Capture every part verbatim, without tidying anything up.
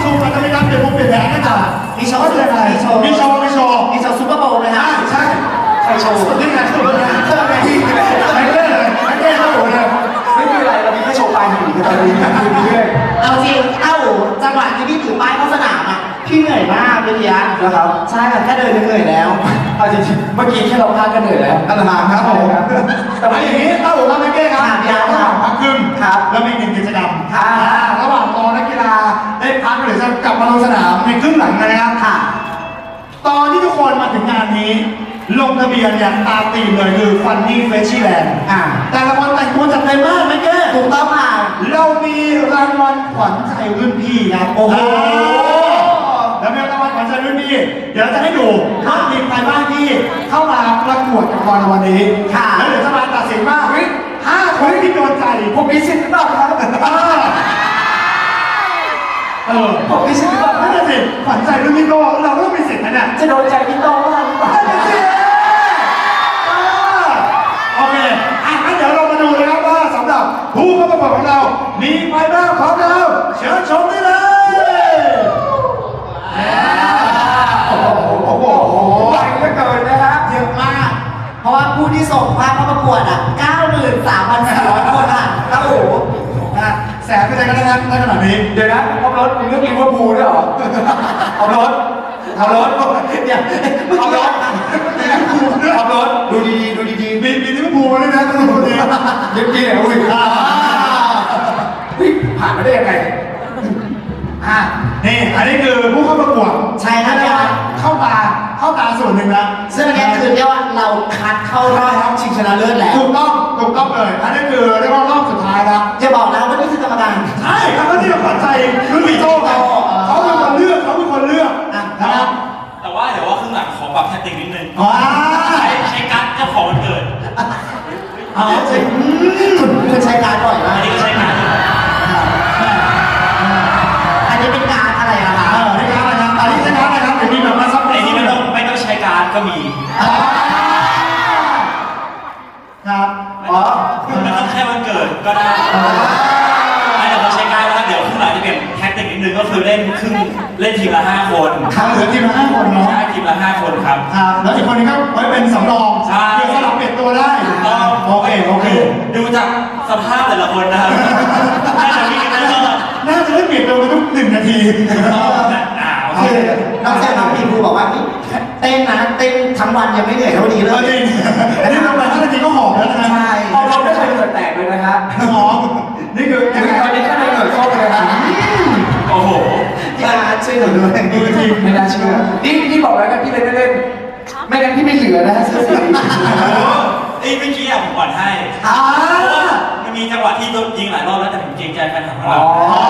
มอาจจะมีการเปลี่ยนมุมเปลี่ยนแผนกันจ้ะมีโชว์มีโชว์มีโชว์มีโชว์มีโชว์ซุปเปอร์โบว์เลยฮะใช่ใครโชว์นี่ไงโชว์เลยนะเไม่ที่ไม่เล่นเลยไม่เล่นโชว์เลยไม่มีอะไรเรามีแค่โชว์ปลายหินกันตอนนี้เรื่อยเอาจริงเอ้าจังหวะที่พี่ถือป้ายเข้าสนามอ่ะพี่เหนื่อยมากเลยทีนะนะครับใช่ค่ะแค่เดินยังเหนื่อยแล้วเอาจริงๆเมื่อกี้แค่เราพลาดกันเหนื่อยแล้วอันหางครับผมแต่ว่าอย่างนี้เต้าหู้ครับแม่เก้ครับระหว่างพักครึ่งครับแล้วมีหนึ่งกิจกรรมครับระหว่างรอนักกีฬาได้พักหรือจะกลับมาลงสนามในครึ่งหลังนะครับค่ะตอนที่ทุกคนมาถึงงานนี้ลงทะเบียนเนี่ยตามธีมเลยคือ Funny Freshieland อ่าแต่ละคนแต่งตัวจัดเต็มมากแม่เก้ถูกต้องค่ะเรามีรางวัลขวัญใจรุ่นพี่ครับโอ้โหแล้วมีรางวัลขวัญใจรุ่นพี่เดี๋ยวเราจะให้ดูว่ามีใครบ้างที่เข้ามาประกวดกับเราในวันนี้แล้วเดี๋ยวจะมาตัดสินว่าห้าคนที่โดนใจผมมีสิทธิ์หรือเปล่าครับเออผมมีสิทธิ์หรือเปล่านั่นแหละสิขวัญใจรุ่นพี่โตเราก็ต้องมีสิทธิ์นะเนี่ยจะโดนใจพี่โตบ้างหรือเปล่าโอเคอ่ะงั้นเดี๋ยวเรามาดูนะครับว่าสำหรับผู้เข้าประกวดของเรามีใครบ้างของเราเชิญชมได้เลยโอ้โหโอ้โหไวเหลือเกินนะฮะเยอะมากเพราะว่าผู้ที่ส่งภาพเข้าประกวดอ่ะ เก้าหมื่นสามพันสี่ร้อย คนอ่ะโอ้โหแสบไปใจกันนะครับในขณะนี้เดี๋ยวนะเอารถมีเรื่องลิเวอร์พูลด้วยเหรอเอารถเอารถเดี๋ยวเอารถเอารถดูดีๆดูดีๆมีมีลิเวอร์พูลด้วยนะทุกคนเนี่ยเย็บกี้เนี่ยอุ้ยผ่านมาได้ยังไงอ่ะนี่อันนี้คือผู้เข้าประกวดใช่ครับเข้าตาเข้าตาส่วนหนึ่งแล้วซึ่งอันนี้คือเรียกว่าเราคัดเข้ารอบชิงชนะเลิศแล้วถูกต้องถูกต้องเลยอันนี้คือเรียกว่ารอบสุดท้ายแล้วจะบอกนะว่านี่คือกรรมการใช่ครับก็ที่เราฝันใจรุ่นพี่โตเขาเขาเป็นคนเลือกเขาเป็นคนเลือกนะครับแต่ว่าเดี๋ยวว่าครึ่งหลังขอปรับแทคติกนิดนึงว้าใช้ใช้การ์ดเจ้าของวันเกิดอ๋อจริงคุณใช้การ์ดบ่อยมากอันนี้ก็ใช้การ์ดอันนี้เป็นการ์ดอะไรอะคะเออนี่การ์ดอะไรครับอันนี้ใช้การ์ดอะไรครับเดี๋ยวมีแบบมาซับไอ้ที่ไม่ต้องไม่ต้องใช้การ์ดก็มีครับอ๋อไม่ต้องแค่วันเกิดก็ได้ไม่เดี๋ยวเราใช้การ์ดแล้วเดี๋ยวครึ่งหลังจะเปลี่ยนแทคติกนิดนึงก็คือเล่นครึ่งเล่นทีมละห้าคนครับเหลือทีมละห้าคนเนาะใช่ทีมละห้าคนครับครับแล้วอีกคนนึงก็ไว้เป็นสำรองใช่เพื่อสลับเปลี่ยนตัวได้โอเคโอเคดูจากสภาพแต่ละคนนะครับน่าจะมีกันตลอดน่าจะได้เปลี่ยนตัวกันทุกหนึ่งนาทีคือน้องแซมน้องพีครูบอกว่าเต้นนะเต้นทั้งวันยังไม่เหนื่อยเท่านี้เลยจริงอันนี้ลงไปห้านาทีก็หอบแล้วนะใช่เอาเราไม่เคยเกิดแตกเลยนะฮะหอมนี่คือยังไงตอนนี้แค่เกิดโชคเลยครับโอ้โหพี่อาร์ช่วยหนูด้วยดูทีไม่น่าเชื่อนี่พี่บอกแล้วกันพี่เล่นเล่นไม่งั้นพี่ไม่เหลือนะฮะเสื้อสีไอ้เมื่อกี้อะผมก่อนให้มันมีจังหวะที่ยิงหลายรอบแล้วแต่ผมเกรงใจแฟนคลับของเรา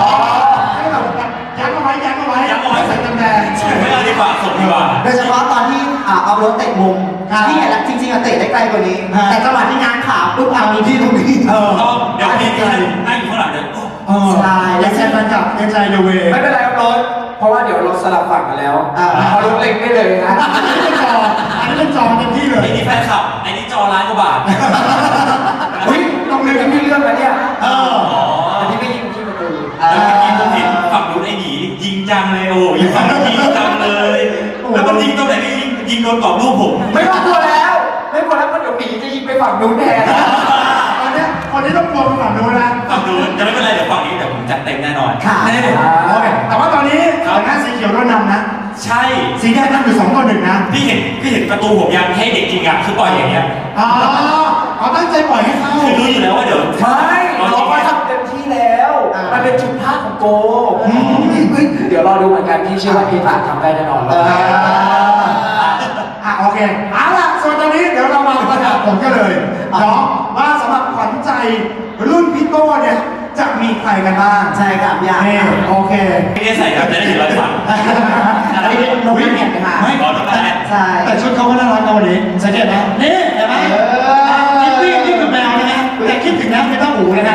ยักเอาไว้ยักเอาไว้ยักเอาไว้ใส่กำแพงส่งไม่เอาดีกว่าส่งดีกว่าโดยเฉพาะตอนที่เอารถเตะมุมที่เห็นแล้วจริงๆอะเตะได้ไกลกว่านี้แต่จังหวะที่งานขาปุ๊บเอามีที่ตรงนี้เออเดี๋ยวพี่นั่งอยู่ข้างหลังเดี๋ยวใช่แล้วแซมมันกับเอ็นใจเดเวย์ไม่เป็นไรครับรถเพราะว่าเดี๋ยวเราสลับฝั่งกันแล้วเอารถเล็กได้เลยนะอันนี้เป็นจออันนี้เป็นจอเต็มที่เลยไอ้นี่แฟนคลับไอ้นี่จอล้านกว่าบาทเฮ้ยลงเรือที่พี่เลือกแล้วเนี่ยเอออันนี้ไม่ยิงที่ประตูแล้วเมื่อกี้ผมเห็นฝั่งนู้นไอ้หนียิงจังเลยโอ้ยิงฝั่งนู้นยิงจังเลยแล้วมันยิงตรงไหนไม่ยิงยิงโดนกรอบรูปผมไม่ต้องกลัวแล้วไม่กลัวแล้วมันเดี๋ยวหนีจะยิงไปฝั่งนู้นแทนตอนนี้คนนี้ต้องกลัวฝั่งนู้นนะฝั่งนู้นจะไม่เป็นไรเดี๋ยวฝั่งนี้เดี๋ยวผมจัดเต็มแน่นอนค่ะโอเคแต่ว่าตอนนี้ฝั่งหน้าสีเขียวโดนนำนะใช่สีแดงนำอยู่สองต่อหนึ่งนะพี่เห็นพี่เห็นประตูผมยังให้เด็กจริงอ่ะคือปล่อยอย่างเงี้ยอ๋อเขาตั้งใจปล่อยให้เข้าคือรู้อยู่แล้วว่าเดี๋ยวไม่เราก็ทำเต็มที่แล้วมันเป็นจุดพลาดของโกเดี๋ยวรอดูเหมือนกันพี่เชื่อว่าพี่ฝากทำได้แน่นอนเลยอ่ะโอเคเอาล่ะส่วนตอนนี้เดี๋ยวเรามาประกาศผลกันเลยเนาะว่าสำหรับขวัญใจรุ่นพี่โต้เนี่ยจะมีใครกันบ้างใช่ครับยากโอเคไม่ได้ใส่แบบจะได้เห็นรอยสักอันนี้นกแอ่นค่ะไม่ก่อนต้องแอ่นใช่แต่ชุดเขาก็น่ารักนะวันนี้สังเกตไหมนี่เห็นไหมคิดนี่นี่คือแมวนะฮะแต่คิดถึงนะไม่ต้องหูเลยนะ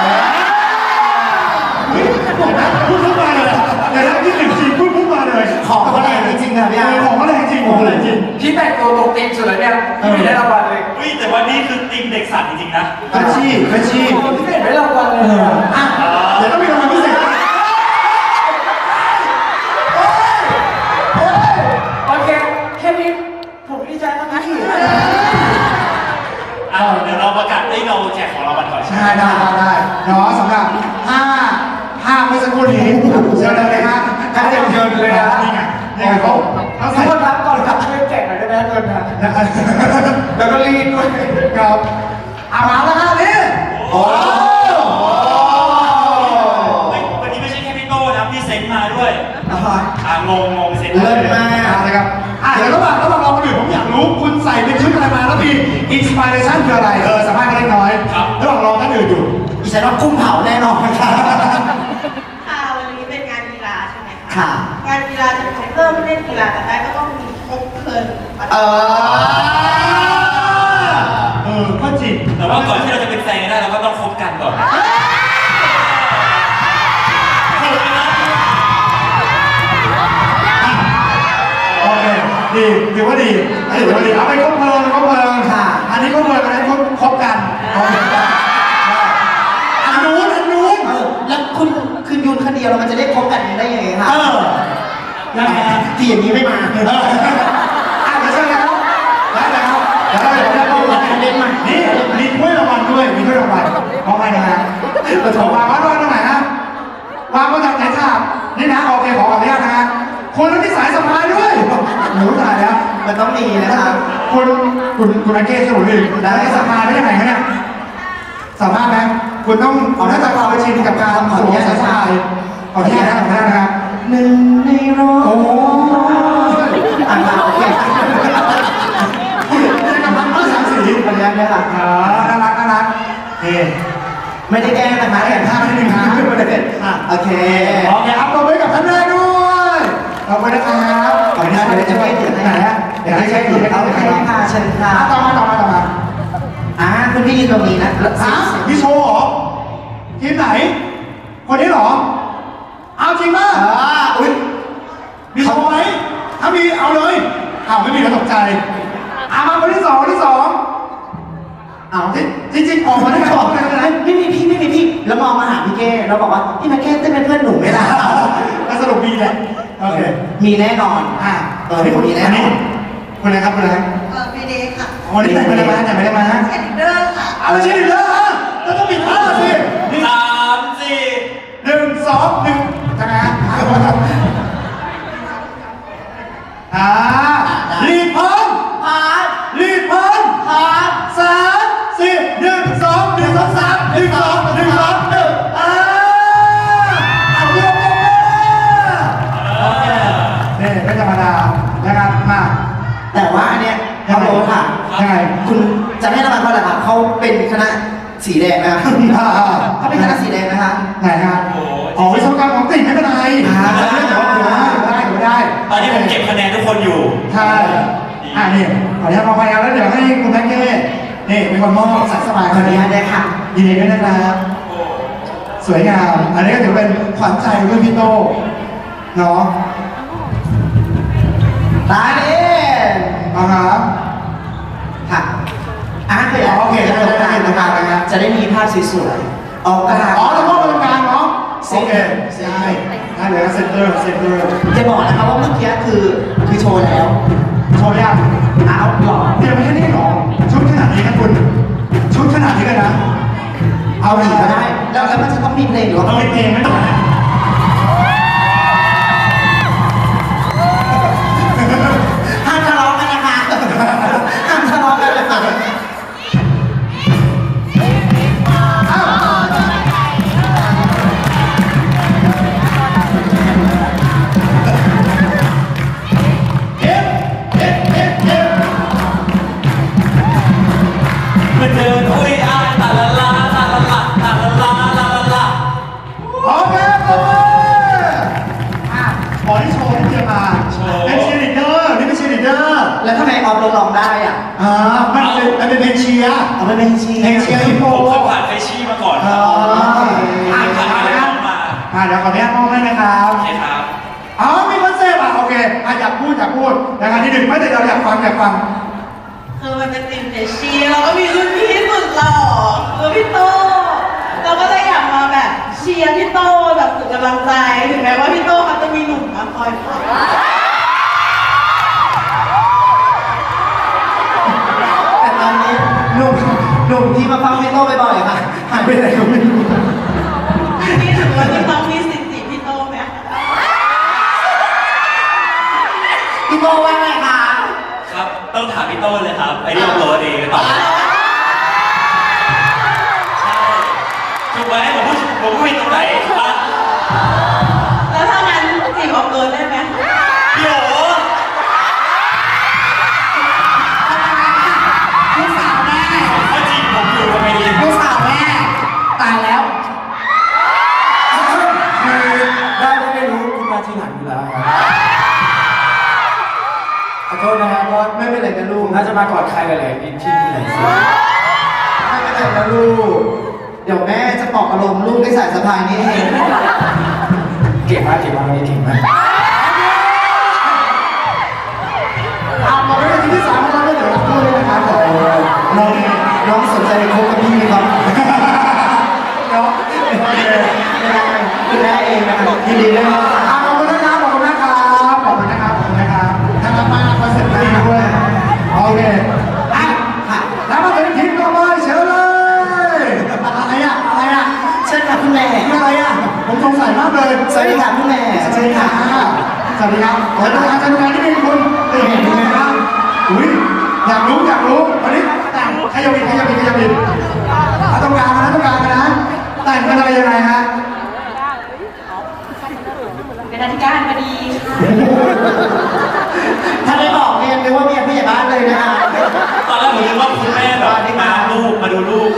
พูดขึ้นมาเลยแต่ถ้าคิดถึงจริงพูดขึ้นมาเลยของเขาแรงจริงๆครับพี่อาร์ของเขาแรงจริงของเขาแรงจริงพี่แต่งตัวตรงตีมสุดเลยเนี่ยพี่ได้รางวัลเลยอุ้ยแต่ว่านี่คือตีมเด็กสัตว์จริงๆนะอาชีพอาชีพพี่ได้รางวัลเลยอ่ะเดี๋ยวต้องมีรางวัลพิเศษแล้วก็รีดด้วยครับอามาแล้วครับนี่โอ้เฮ้ยวันนี้ไม่ใช่แค่พี่โต้นะพี่เซนมาด้วยอ่าฮะอ่างงงงเซนเลิศมากนะครับอ่ะเดี๋ยวระหว่างระหว่างเราคนอื่นผมอยากรู้คุณใส่เป็นชุดอะไรมาแล้วมีอินสปิเรชันคืออะไรเออสามารถกันเล็กน้อยระหว่างรอท่านอื่นอยู่อีฉันว่ากุ้งเผาแน่นอนค่ะค่ะวันนี้เป็นงานกีฬาใช่ไหมคะค่ะงานกีฬาจะเป็นเริ่มเล่นกีฬาแต่ได้ก็ต้องมีครบเพลินเออเออก็จริงแต่ว่าก่อนที่เราจะเป็นแฟนกันได้เราก็ต้องคบกันก่อนโอเคดีถือว่าดีอันนี้ถือว่าดีเอาไปคบเพลิงคบเพลิงค่ะอันนี้คบเพลิงอันนั้นคบคบกันโอเคอันนู้นอันนู้นเออแล้วคุณคือยูนคนเดียวเรามันจะได้พบกันได้ยังไงคะเออยังไงฮะที่อย่างนี้ไม่มาเอออ่ะเดี๋ยวเชิญเลยครับได้เลยครับเดี๋ยวเราเดี๋ยวเราเข้ามาเล่นใหม่นี่มีถ้วยรางวัลด้วยมีถ้วยรางวัลมอบให้นะฮะเราถอดวางไว้ตรงไหนฮะวางบนจากไหนครับนี่นะโอเคขออนุญาตนะฮะคนที่สายสะพายด้วยหนูตายแล้วมันต้องมีนะคะคุณคุณคุณอาเกสมุนอีกได้สามารถได้ยังไงคะเนี่ยสามารถไหมคุณต้องเอาหน้าตาความชินกับการสวมสายสายขออนุญาตนะขออนุญาตนะครับหนึ่งในร้อยโอ้ยอ่ะโอเคคุณกำลังเมื่อสามสีขออนุญาตด้วยค่ะอ๋อน่ารักน่ารักโอเคไม่ได้แกล้งนะคะเห็นภาพนิดนึงนะไม่ได้อ่ะโอเคโอเคอัพตัวไว้กับท่านแรกด้วยขอบคุณนะครับขออนุญาตเดี๋ยวจะไม่ถึงไหนฮะเดี๋ยวให้ใช้คุณไปเอาเอาไปไปให้ให้ค่ะเชิญค่ะต่อมาต่อมาต่อมาอ่าคุณพี่ยืนตรงนี้นะฮะมีโชว์เหรอทีมไหน คนนี้เหรอ เอาจริงป่ะอ่าอุ้ยมีโชว์ไหมถ้ามีเอาเลยอ้าวไม่มีแล้วตกใจอามาคนที่สองคนที่สองอ้าวจริงจริงๆออกมาได้ไหมออกมาได้ไหมไม่มีพี่ไม่มีพี่แล้วมองมาหาพี่เก้เราบอกว่าพี่มาเก้เต้นเป็นเพื่อนหนูไหมล่ะแล้วสรุปมีแหละโอเคมีแน่นอนอ่าเออมีแน่นอนคนไหนครับคนไหนครับเออไม่ได้ค่ะคนที่ไหนไม่ได้มาแต่ไม่ได้มาเอ็นเดอร์ค่ะเอาไม่ใช่ดิเลยฮะแล้วต้องมีท่าสินี่สามสี่หนึ่งสองหนึ่งใช่ไหมฮะอ่ารีบพร้อมพาร์ทรีบพร้อมพาร์ทสามสี่หนึ่งสองหนึ่งสองสามหนึ่งสองหนึ่งสองหนึ่งอ่าเอาเรื่องกันนะโอเคนี่ไม่ธรรมดานะครับมาแต่ว่าอันเนี้ยเขาโรค่ะยังไงคุณจะให้รางวัลเขาอะไรคะเขาเป็นคณะสีแดงนะคะอ่าอ่าเขาเป็นคณะสีแดงนะคะไหนครับอ๋อวิศวกรรมของติ่งไม่เป็นไรอ่าเรื่องของถือได้ถือได้ตอนนี้ผมเก็บคะแนนทุกคนอยู่ใช่อ่านี่ขออนุญาตมองไปแล้วเดี๋ยวให้คุณแม็กเก้นี่เป็นคนมอบสายสบายขอคอน นุนี้ญาตได้ค่ะยินดีด้วยนะครับ สวยงาม อันนี้ก็ถือเป็นขวัญใจรุ่นพี่โตเนาะตาเด่นเอาครับค่ะอ่ะเคยอ๋อโอเคได้ได้ได้ได้ได้ได้จะได้มีภาพสวยๆออกกลางอ๋อแล้วก็ตรงกลางเนาะโอเคใช่ได้เลยเซนเตอร์เซนเตอร์จะบอกนะคะว่าเมื่อกี้คือคือโชว์แล้วโชว์ยังเอาหรอเตรียมไปแค่นี้หรอชุดขนาดนี้นะคุณชุดขนาดนี้เลยนะ เอาเอาอีอีกกก็ก็ได้ได้แล้วแล้วมันจะต้องมีเพลงหรือว่าต้องมีเพลงไหมต่อนะห้ามทะเลาะกันนะคะห้ามทะเลาะกันนะคะอ้าวเอฟเอฟเอฟเอฟมันเดินอุ้ยอ้ายตาละลาตาละละตาละลาลาละละโอเคปรบมืออ่ะขอที่โชว์ที่เตรียมมาเป็นเชียร์ลีดเดอร์นี่เป็นเชียร์ลีดเดอร์แล้วทำไมออฟลองได้อ่ะอ่ามันเป็นมันเป็นเพลงเชียร์เอาไปเป็นชีเพลงเชียร์ฮิปโปผมเคยผ่านเฟชชี่มาก่อนคอ๋รัอบ อ่าผ่านอ่าไปนะน้องมาอ่าเดี๋ยวขออนุญาตมองให้นะครับโอเคครับอ๋อมีคอนเซปต์อ่ะโอเคอ่ะอยากพูดอยากพูดนะครับที่หนึ่งไม่แต่เราอยากฟังอยากฟังคือมันเป็นทีมเฟชชี่แล้วก็มีรุ่นพี่สุดหล่อคือพี่โตเราก็เลยอยากมาแบบเชียร์พี่โตแบบสุดกำลังใจถึงแม้ว่าพี่โตเขาจะมีหนุ่มมาคอยฟังแต่ตอนนี้หนุ่มหนุ่มที่มาฟังพี่โต้บ่อยๆอะค่ะหายไปไหนก็ไม่รู้นี่ถือว่าพี่ต้องมีสิทธิ์จีบพี่โตไหมคะพี่โต้ว่าไงคะครับต้องถามพี่โต้ครับไอ้ที่อัพโหลดเองตอบใช่ถูกไหมผมพูดผมพูดผิดตรงไหนอ่ะแล้วถ้างั้นจีบออกเกินได้ไหมเดี๋ยวลูกสาวแม่เขาจีบผมอยู่ทำไมดีลูกสาวแม่ตายแล้วคือได้ไม่ได้รู้คุณมาทีหลังอยู่แล้วครับขอโทษนะครับก็ไม่เป็นไรนะลูผกมน่าจะมาก่อนใครหลายๆที่ที่ไหนสิไม่เป็นไรนะลูกเดี๋ยวแม่จะปลอบอารมณ์ลูกด้วยสายสะพายนี้เองเก่งมากเก่งมากวันนี้เก่งมากเอามาเป็นที่ที่สามของเราไม่เดี๋ยวรับพูดเลยนะครับผมน้องน้องสนใจคบกับพี่ไหมครับน้องโอเคคุณแม่เองนะครับยินดีด้วยครับอ่ะขอบคุณนะครับขอบคุณนะครับขอบคุณนะครับขอบคุณนะครับทางรับมาคอนเสิร์ตดีด้วยโอเคอ่ะค่ะแล้วมาถึงทีมต่อไปเชิญเลยอะไรอ่ะอะไรอ่ะเชิญค่ะคุณแม่คืออะไรอ่ะผมสงสัยมากเลยสวัสดีค่ะคุณแม่สวัสดีค่ะสวัสดีครับขอดูการจัดการที่มีคุณเห็นยังไงบ้างอุ้ยอยากรู้อยากรู้วันนี้แต่งขยับบินขยับบินขยับบินเอาตรงกลางนะตรงกลางนะแต่งเป็นอะไรยังไงฮะเป็นอธิการบดีค่ะถ้าไม่บอกเนี่ยนึกว่าเมียผู้ใหญ่บ้านเลยนะคะตอนแรกผมนึกว่าคุณแม่แบบมาลูกมาดูลูก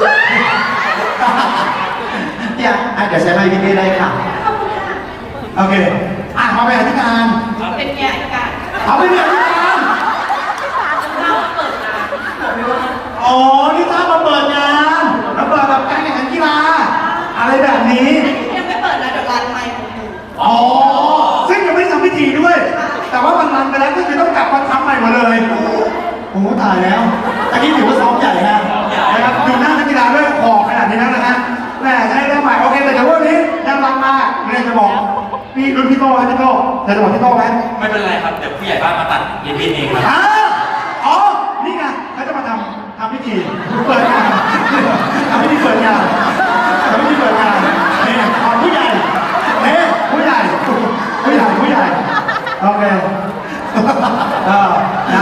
เนี่ยอ่ะเดี๋ยวใช้ไมค์พี่ได้ค่ะโอเคอ่ะมาเป็นอธิการเป็นเมียอธิการเอาไปเป็นอธิการเราเปิดร้านบอกไม่ว่าอ๋อนี่ถ้ามาเปิดงานแล้วเปิดแบบการแข่งขันกีฬาอะไรแบบนี้ยังไม่เปิดนะเดี๋ยวร้านใหม่ของหนูอ๋อซึ่งยังไม่ได้ทำพิธีด้วย แต่ว่ามันรันไปแล้วก็คือต้องกลับมาทำใหม่หมดเลยโอ้โหตายแล้วตะกี้ถือว่าซ้อมใหญ่นะนะครับดูหน้านักกีฬาด้วยหอกขนาดนี้แล้วนะฮะแม่ใช้ได้ใหม่โอเคแต่เดี๋ยววันนี้ยังรันมากเรียนจะบอกพี่รุ่นพี่โต้ไหมพี่โต้จะจะบอกพี่โต้ไหมไม่เป็นไรครับเดี๋ยวผู้ใหญ่บ้านมาตัดยินดีเองครับอ่าอ๋อ นี่ไงเขาจะมาทำทำพิธีเปิดงานทำพิธีเปิดงานทำพิธีเปิดงานนี่เอาผู้ใหญ่นี่ผู้ใหญ่ ผู้ใหญ่ ผู้ใหญ่ โอเคเออได้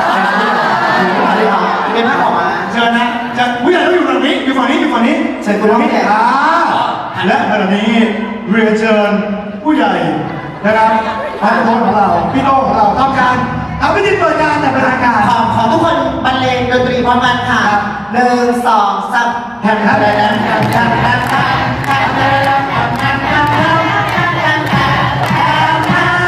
เป็นภาพออกมาเชิญนะเชิญผู้ใหญ่ต้องอยู่ฝั่งนี้ อยู่ฝั่งนี้ อยู่ฝั่งนี้เชิญคุณน้องพี่ใหญ่อ่าและขณะนี้เรียนเชิญผู้ใหญ่นะครับพันโทของเรา พี่โต้ของเราทำการทำพิธีเปิดงานแต่เป็นทางการขอขอทุกคนบรรเลงดนตรีพร้อมกันค่ะหนึ่งสองสามแผ่นแผ่นแผ่นแผ่นแผ่นแผ่นแผ่นแผ่นแผ่นแผ่นแผ่นแผ่นแผ่นแผ่นแผ่นแผ่น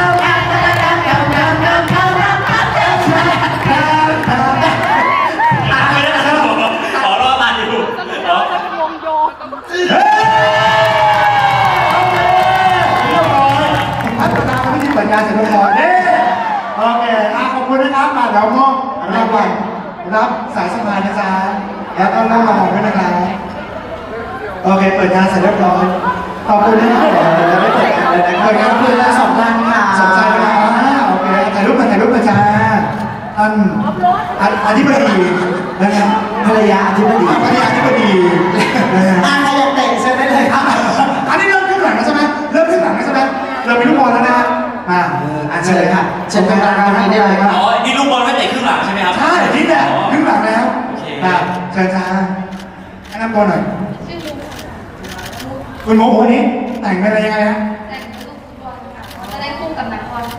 ไม่ได้ครับผมขอรอบมาอยู่อ๋อเฮ้ยโอเคเรียบร้อยพัฒนาพิธีเปิดงานเสร็จเรียบร้อยเด้โอเคอ่ะขอบคุณนะครับมาเดี๋ยวมอบรางวัลรับสายสะพายนะจ๊ะแล้วก็น้องรางวัลด้วยนะครับโอเคเปิดงานเสร็จเรียบร้อยขอบคุณนะครับเดี๋ยวเราได้เปิดงานเลยนะครับเปิดงานคืนละสองพันค่ะสนใจนะครับโอเคถ่ายรูปมาถ่ายรูปมาจ้าท่านอธิบดีนะครับภรรยาอธิบดีภรรยาอธิบดีนะฮะอ่าใครอยากเตะเชิญได้เลยครับอันนี้เริ่มขึ้นหลังแล้วใช่ไหมเริ่มขึ้นหลังแล้วใช่ไหมเรามีลูกบอลแล้วนะมาอ่ะเชิญค่ะเชิญทางร้านตรงนี้ได้เลยครับอ๋อนี่ลูกบอลไม่เตะครึ่งหลังใช่ไหมครับใช่นี่แหละขึ้นหลังแล้วโอเคนะเชิญจ้าแนะนำตัวหน่อยชื่อลุงค่ะคุณโมวันนี้แต่งเป็นอะไรยังไงฮะแต่งเป็นลูกฟุตบอลค่ะจะได้คู่กับนักบอล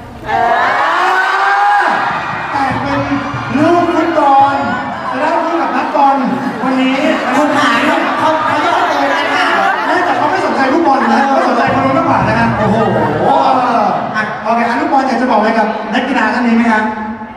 แต่งเป็นลูกฟุตบอลจะได้คู่กับนักบอลวันนี้คุณหายเขาเขาเขายอดเลยนะคะแม้แต่เขาไม่สนใจลูกบอลนะเขาสนใจคนนู้นมากกว่านะฮะโอ้โหอ่ะโอเคอ่ะลูกบอลอยากจะบอกอะไรกับนักกีฬาท่านนี้ไหมครับ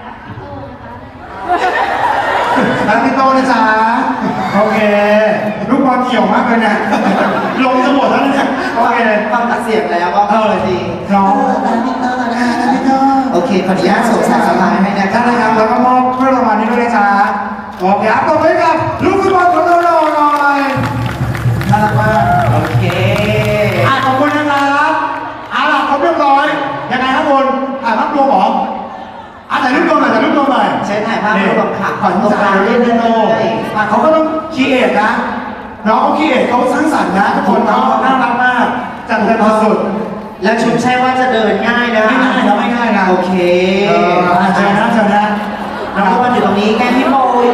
นักพี่โตนะจ๊ะโอเคลูกบอลเกี่ยวมากเลยเนี่ยลงจะหมดแล้วเนี่ยโอเคฟังตัดเสียงแล้วก็เออดีน้องนักพี่เตอร์นะอ่าคะนักพี่โตโอเคขออนุญาตส่งสายสะพายให้นะท่านคะนะครับแล้วก็มอบเพื่อรางวัลนี้ด้วยนะจ๊ะโอเคครับต่อไปกับลูกฟุตบอลของเราหน่อยน่ารักมากโอเคอ่ะขอบคุณนะครับเอาล่ะครบเรียบร้อยยังไงครับคุณถ่ายภาพรวมเหรออ่ะถ่ายรูปรวมหน่อยถ่ายรูปรวมหน่อยใช้ถ่ายภาพรวมค่ะขขออนตรงกลางเล่เล่นนเล่ได้นเลโตยอ่ะเขาก็ต้องคีเอทนะน้องเขาคีเอทเขาสร้างสรรค์นะทุกคนเนาะน่ารักมากจัดเต็มสุดแล้วชุดใช่ว่าจะเดินง่ายนะไม่ง่ายนะไม่ง่ายนะโอเคเอออ่ะเชิญนะเชิญนะน้องก็มาอยู่ตรงนี้แก้พี่โม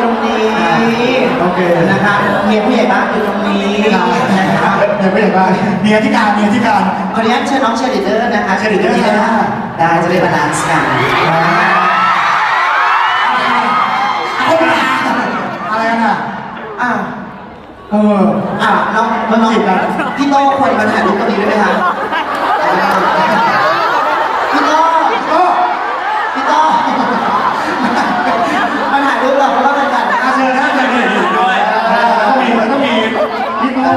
เคนะครับเมียผู้ใหญ่บ้านอยู่ตรงนี้นะครับเดี๋ยวไม่เห็นว่าเมียที่การเมียที่การขออนุญาตเชิญน้องเชียร์ลีดเดอร์นะคะเชียร์ลีดเดอร์ที่ได้ได้จะได้บาลานซ์กันอะไรกันอ่ะอ้าวเอออ้าวน้องน้องจีบกันพี่โต้ควรมาถ่ายรูปตรงนี้ด้วยไหมคะพี่โต้ก็พี่โต้มาถ่ายรูปเราเพราะว่าเป็นกันอาเชิญนะเชิญนี่ด้วยต้องมีต้องมีพี่โก้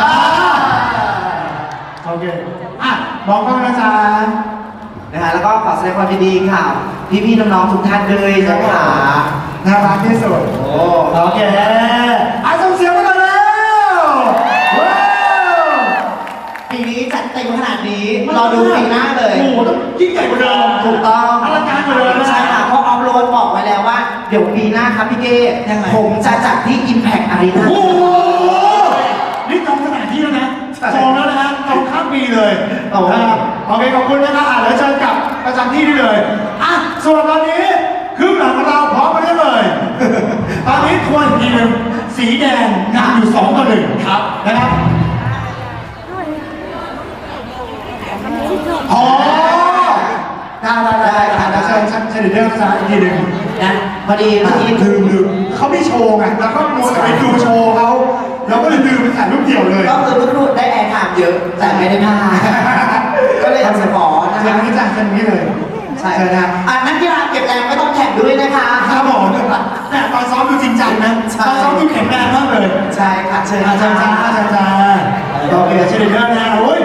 โอเคอ่ะมองกล้องนะจ๊ะนะคะแล้วก็ขอแสดงความยินดีค่ะ พี่ๆน้องๆทุกท่านด้วยนะคะน่ารักที่สุดโอ้โอเคอ่ะส่งเสียงมาหน่อยแล้วว้าวปีนี้จัดเต็มขนาดนี้รอดูปีหน้าเลยโอ้โหต้องยิ่งใหญ่กว่าเดิมถูกต้องอลังการกว่าเดิมนะใช่ค่ะเพราะออฟโรดบอกไว้แล้วว่า เดี๋ยวปีหน้าครับพี่เก้ยังไงผมจะจัดที่ Impact Arena โอ้โหนี่จองสถานที่แล้วนะจองแล้วนะฮะจองข้ามปีเลยโอ้โหนะครับโอเคขอบคุณนะครับอ่ะเดี๋ยวเชิญกลับประจำที่ได้เลยอ่ะส่วนตอนนี้คือหลังของเราพร้อมมาได้เลย ตอนนี้ทวนอีกทีหนึ่งสีแดงนำอยู่สองต่อหนึ่งครับนะครับอ๋อได้ได้ได้ได้ได้เชิญเชิญเชิญเดี๋ยวเชิญอีกทีหนึ่งนะพอดีเมื่อกี้ลืมลืมเขาไม่โชว์ไงแล้วก็มัวแต่ไปดูโชว์เขาเราก็เลยลืมไปถ่ายรูปเดี่ยวเลยก็คือรุ่นๆได้แอร์ไทม์เยอะ แต่ไม่ได้ผ้าก็เลยอยากจะขอนะเชิญคะนี้จ้ะเชิญนี้เลยใช่เชิญนะอ่ะนักกีฬาเก็บแรงไม่ต้องแข่งด้วยนะคะครับผมแต่ตอนซ้อมดูจริงจังนะใช่ตอนซ้อมดูแข็งแรงมากเลยใช่ค่ะเชิญอาจารย์จ้าอาจารย์จ้าโอเคเชิญเดินนะโอ้ย